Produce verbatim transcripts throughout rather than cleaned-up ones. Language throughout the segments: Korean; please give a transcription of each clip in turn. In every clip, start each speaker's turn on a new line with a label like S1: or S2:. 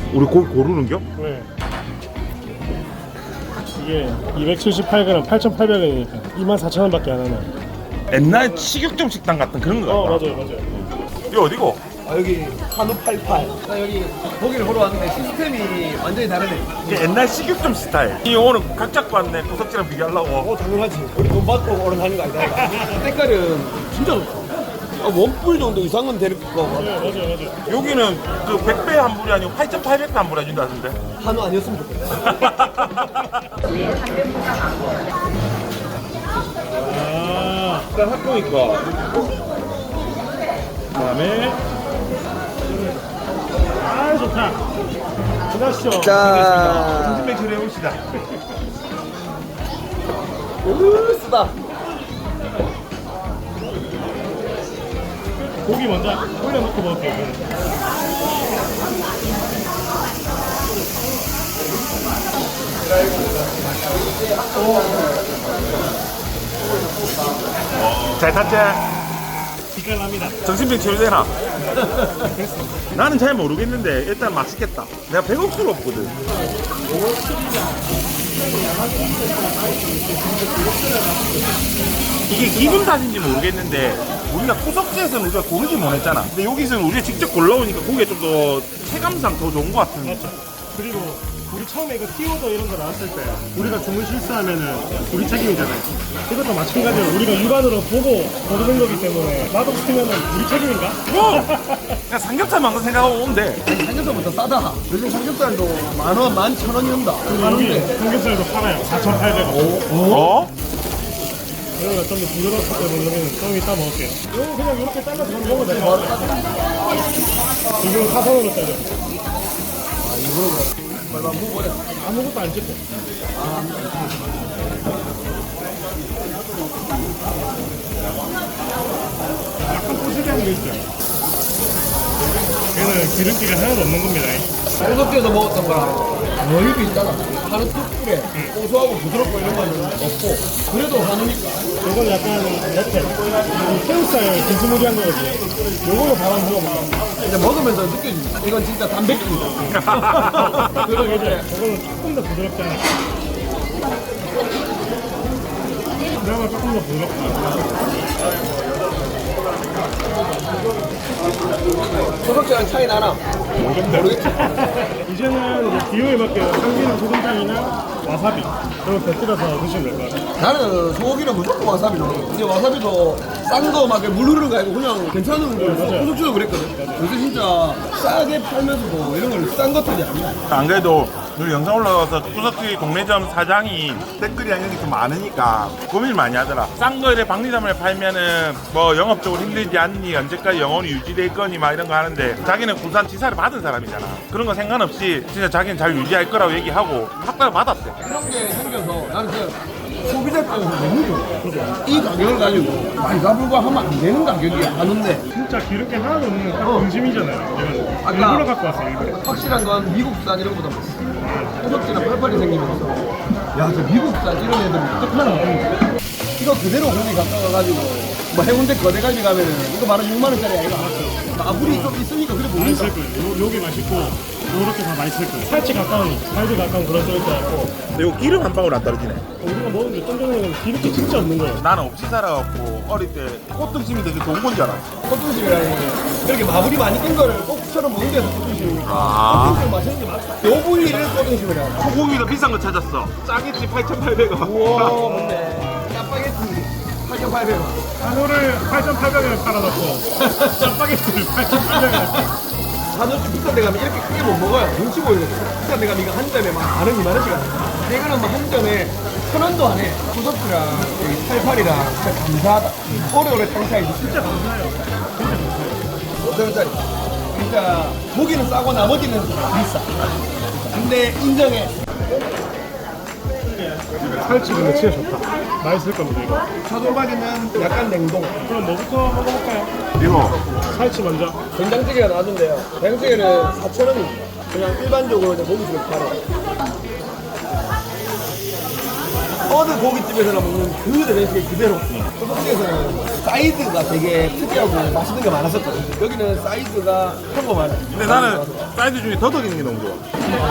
S1: 우리 고기 고르는겨?
S2: 네. 이게 이백칠십팔 그램 팔천팔백 원이니까 이만 사천 원밖에 안 하네.
S1: 옛날 식육점 식당 같은 그런 거
S2: 어
S1: 같다.
S2: 맞아요 맞아요.
S1: 이거 어디고?
S3: 아, 여기 한우 팔팔. 나 여기 고기를 보러 왔는데 시스템이 완전히 다르네.
S1: 이게 옛날 식육점 스타일. 이 오늘 각 잡고 왔네. 구석지랑 비교하려고.
S3: 어, 당연하지. 우리 돈 받고 오른 하는 거 아니다. 색깔은 진짜 좋다. 아, 원뿔 정도 이상은 될 거 같아.
S2: 네 맞아요 맞아요.
S1: 여기는 그 백 배 환불이 아니고 팔천팔백 배 환불 해준다는데.
S3: 한우 아니었으면 좋겠다.
S2: 아
S1: 일단 학교니까.
S2: 그다음에 아 좋다. 들어가시죠.
S3: 자,
S1: 정신백 처리해 봅시다.
S3: 으, 쓰다.
S2: 고기 먼저 올려놓고 먹을게요. 저는.
S1: 잘 탔지?
S2: 기가 납니다.
S1: 정신병 치료되나? 나는 잘 모르겠는데 일단 맛있겠다. 내가 배고플 없거든. 이게 기분 탓인지 모르겠는데 우리가 구석지에서는 우리가 고르지 못했잖아. 근데 여기서는 우리가 직접 골라오니까 고기가 좀 더 체감상 더 좋은 것 같은.
S2: 맞죠. 그리고 우리 처음에 이거 티오더 이런 거 나왔을 때 우리가 주문 실수하면은 우리 책임이잖아요. 이것도 마찬가지로 우리가 육안으로 보고 고르는 거기 때문에 맛없으면은 우리 책임인가?
S1: 뭐! 그냥 삼겹살만 그 생각하고 오면 돼.
S3: 삼겹살부터 싸다. 요즘 삼겹살도 만 원, 만 천 원이 온다.
S2: 여기
S3: 많은데.
S2: 삼겹살도 팔아요. 사천팔백 원.
S1: 어?
S2: 이런 거 좀 더 부드럽기 때문에 여기는 좀 이따 먹을게요. 이거 그냥 이렇게 잘라서 그냥 먹으면 될 것 같아요. 지금 사선으로 잘려.
S3: 아, 이거는 말만 먹어야
S2: 아무것도 안 찍고. 약간 포슬기한 게 있죠. 얘는 기름기가 하나도 없는 겁니다.
S3: 소석지에서 먹었던 거랑 거의 비슷하다. 한우 특불에 고소하고 부드럽고 이런 거는 없고 그래도 한우니까.
S2: 이건 약간 레텔. 새우살 비스무리한 거거든요. 요걸로 바로 한번 먹어볼까?
S3: 이제 먹으면서 느껴집니다. 이건 진짜 단백질이다. 그리고 이제
S2: 이거는 조금 더 부드럽잖아. 그나마 조금 더 부드럽다.
S3: 소석지랑 차이 나나? 모르겠지.
S2: 이제는 이제 기호에 맞게 참기름 소금장이나 와사비 그런 거 곁들여서 드시면 될 것 같아요.
S3: 나는 소고기는 무조건 와사비 넣어. 근데 와사비도 싼 거 막 물 흐르는 거 아니고 그냥 괜찮은 거 소석지도 그랬거든. 요새 진짜 싸게 팔면서도 이런 걸 싼 것들이 아니야.
S1: 안 그래도 우리 영상 올라가서 구석지 동네점 사장이 댓글이랑 이런 게 좀 많으니까 고민을 많이 하더라. 싼 거에 박리담을 팔면은 뭐 영업적으로 힘들지 않니, 언제까지 영원히 유지될 거니 막 이런 거 하는데 자기는 부산 지사를 받은 사람이잖아. 그런 거 상관없이 진짜 자기는 잘 유지할 거라고 얘기하고 학과를 받았대.
S3: 이런 게 생겨서 나는 그 소비자 입장에서 너무 좋아. 이 가격을 가지고 말가 불과하면 안 되는 가격이야. 하는데
S2: 진짜 기름기 하나도 없는 딱
S3: 어.
S2: 등심이잖아요. 이거는
S3: 아까-
S2: 일부러 갖고 왔어요. 일부러.
S3: 확실한 건 미국산 이런 거보다 소석지나 팔팔이 생기면서 야 저 미국산 이런 애들은 어떡하나. 이거 그대로 고기 갖다 가가지고 뭐 해운대 거대갈비 가면은 이거 만 원, 육만 원짜리 아이가 나불이 좀 있으니까 그래 보인다.
S2: 맛있을 거예요. 요, 요게 맛있고 요렇게 다 맛있을 거예요. 살치 가까운, 살치 가까운 그런 쪽일 것 같고
S1: 근데 이거 기름 한 방울 안 떨어지네.
S2: 우리가 먹은 게 쫀쫀하게 기름기 진짜 없는 거예요.
S1: 나는 없이 살아갖고 어릴 때 꽃등심이 되게 좋은 건 줄 알았어.
S3: 꽃등심이라는 게 이렇게 마블이 많이 낀 거를 꼭처럼 먹는 데서 꽃등심이니까
S1: 아.
S3: 꽃등심 맛있는 게 맞다. 요 부위를 꽃등심이라 하죠.
S1: 소고기도 비싼 거 찾았어. 짜게지 팔천팔백 원.
S3: 우와 뭔데 짜파게티 팔천팔백 원.
S2: 한우를 팔천팔백 원에 팔아놓고 짜파게티를 팔천팔백 원에
S3: 한우집 비싼 데 가면 이렇게 크게 못 먹어요. 눈치 보이거든요. 비싼 데 가면 이거 한 점에 막 만 원, 이만 원씩 하는 이거는 막 한 점에 천 원도 안 해. 소석지랑 여기 팔팔이랑 진짜 감사하다. 오래오래 장사해서 진짜 감사해요. 오천 원짜리. 그러니까 고기는 싸고 나머지는 비싸. 근데 인정해.
S2: 살치 근데 진짜 좋다. 맛있을 겁니다 이거.
S3: 차돌박이는 약간 냉동.
S2: 그럼 뭐부터 먹어볼까요?
S1: 이거
S2: 살치 먼저.
S3: 된장찌개가 나왔는데요. 된장찌개는 사천 원입니다. 그냥 일반적으로 이제 먹으시면 팔아요. 어느 고깃집에서나 먹는 그 레시피 그대로. 소속집에서는 사이드가 되게 특이하고 맛있는 게 많았었거든. 여기는 사이드가 평범한.
S1: 근데 나는 사이드 중에 더덕 있는 게 너무 좋아.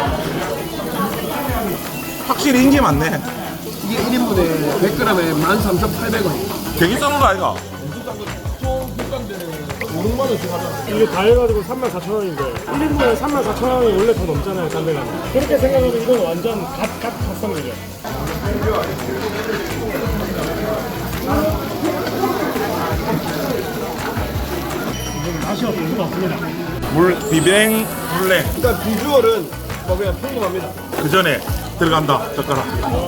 S1: 확실히 인기 많네.
S3: 이게 일 인분에 백 그램에 만 삼천팔백 원.
S1: 되게 싼 거 아이가?
S3: 좀 비싼 데는 오백만 원씩 하잖아.
S2: 이게 다 해가지고 삼만 사천 원인데 일 인분에 삼만 사천 원이 원래 더 넘잖아요, 딴데 가면. 그렇게 생각하면 이건 완전 갓, 갓 갓성이죠. 이건 맛이 없을 수가 없습니다.
S1: 물 비뱅 물냉
S3: 그러니까 비주얼은 뭐 그냥 평범합니다.
S1: 그 전에 들어간다 젓가락.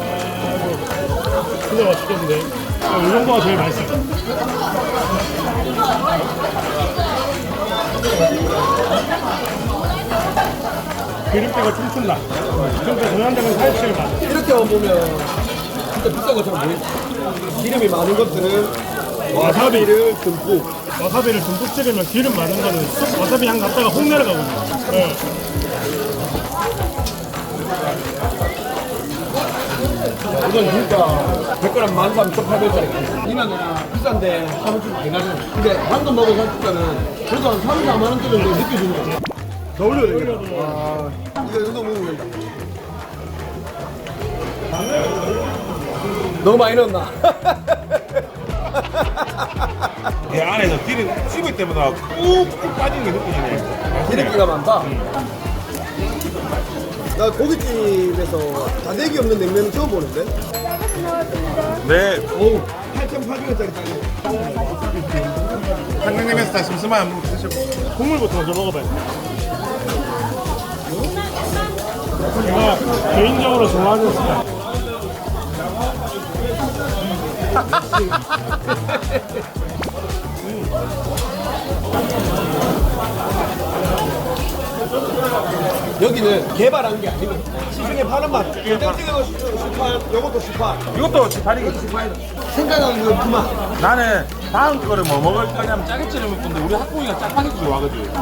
S2: 진짜 맛있겠는데. 아, 이 정도가 제일 맛있어요. 기름때가 춤춘다. 그러니까 저한테는 사십칠 만.
S3: 이렇게만 보면 진짜 비싼 것처럼 보이죠. 기름이 많은 것들은 와사비를 듬뿍.
S2: 와사비를 듬뿍 찍으면 기름 많은 거는 쑥 와사비 향 갔다가 혹 내려가거든요. 네.
S3: 이건 진짜 백 그램 만 삼천팔백 원짜리. 이만 그냥 비싼데 하루 좀 많이 가잖아. 근데 방금 먹은 살치살은 그래도 한 삼, 사만 원대 정도 느껴지는 거죠. 더 올려야 되겠다. 아, 이거 이 정도 먹으면 된다. 너무 많이 넣었나?
S1: 배 안에서 기름 씹을 때마다 꾹꾹 빠지는 게 느껴지네.
S3: 기름기가 많다. 나 고깃집에서 다대기 없는 냉면은 처음 보는데?
S1: 네,
S3: 오, 팔천팔백 원짜리 짜리.
S1: 한강냉면에서 다 심심하면 한번 드셔보세요.
S2: 국물부터 먼저 먹어봐요. 제가 개인적으로 좋아하는 스타일.
S3: 여기는 개발한 게 아니고 시중에 파는 맛. 땡땡이도 십팔, 요것도 십팔.
S1: 이것도 지파리겠지.
S3: 생각하는 그 그만.
S1: 나는 다음 거를 뭐 먹을 거냐면 짜게찌를 먹을 건데 우리 학부이가 짜파게티 좋아하거든.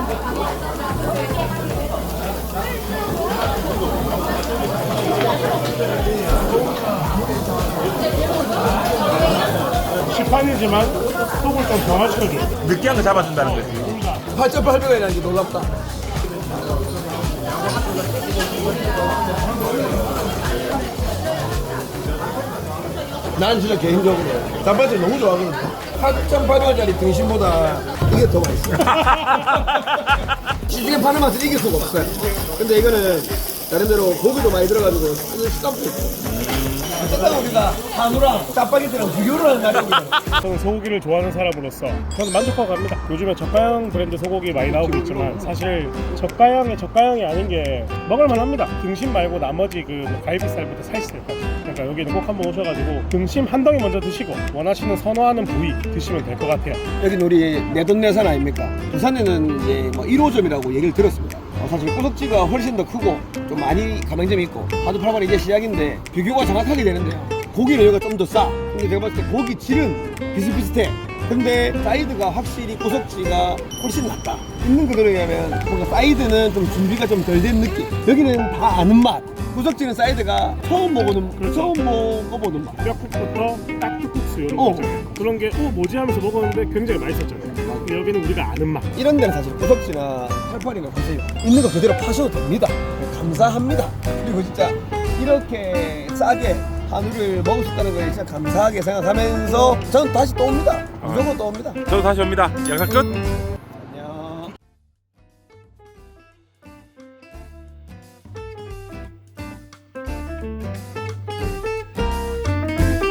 S2: 시판이지만 속을 좀 변화시켜줘요.
S1: 느끼한 거 잡아준다는 거지.
S3: 팔천팔백 원이라는 게 놀랍다. 난 진짜 개인적으로 단팥을 너무 좋아하거든. 팔천팔백 원짜리 등심보다 이게 더 맛있어. 시중에 파는 맛을 이길 수가 없어요. 근데 이거는 나름대로 고기도 많이 들어가지고 식감도 있고. 어쨌든 우리가 한우랑 짜파게티랑 비교를 하는 날입니다.
S2: 저는 소고기를 좋아하는 사람으로서 저는 만족하고 갑니다. 요즘에 저가형 브랜드 소고기 많이 나오고 있지만 사실 저가형의 저가형이 아닌 게 먹을만 합니다. 등심 말고 나머지 그 갈비살부터 살치살까지. 그러니까 여기는 꼭 한번 오셔가지고 등심 한 덩이 먼저 드시고 원하시는 선호하는 부위 드시면 될 것 같아요.
S3: 여기는 우리 내돈내산 아닙니까? 부산에는 이제 뭐 일 호점이라고 얘기를 들었습니다. 어, 사실 꼬석지가 훨씬 더 크고 좀 많이 가맹점이 있고 하두팔만 이제 시작인데 비교가 정확하게 되는데요. 고기는 여기가 좀 더 싸. 근데 제가 봤을 때 고기 질은 비슷비슷해. 근데 사이드가 확실히 꼬석지가 훨씬 낫다. 있는 그대로 얘기하면 뭔가 사이드는 좀 준비가 좀 덜 된 느낌. 여기는 다 아는 맛. 꼬석지는 사이드가 처음 먹어보는
S2: 그렇죠.
S3: 처음 먹어보는 맛.
S2: 뼈국부터 딱지국수 이런
S3: 어.
S2: 거 있잖아요. 그런 게 어, 뭐지 하면서 먹었는데 굉장히 맛있었잖아요. 근데 여기는 우리가 아는 맛.
S3: 이런 데는 사실 꼬석지나 팔팔이나 사실 있는 거 그대로 파셔도 됩니다. 감사합니다. 그리고 진짜 이렇게 싸게 한우를 먹을 수 있다는 거에 진짜 감사하게 생각하면서 저는 다시 또 옵니다. 무조건 또 옵니다.
S1: 저도 다시 옵니다. 영상 끝.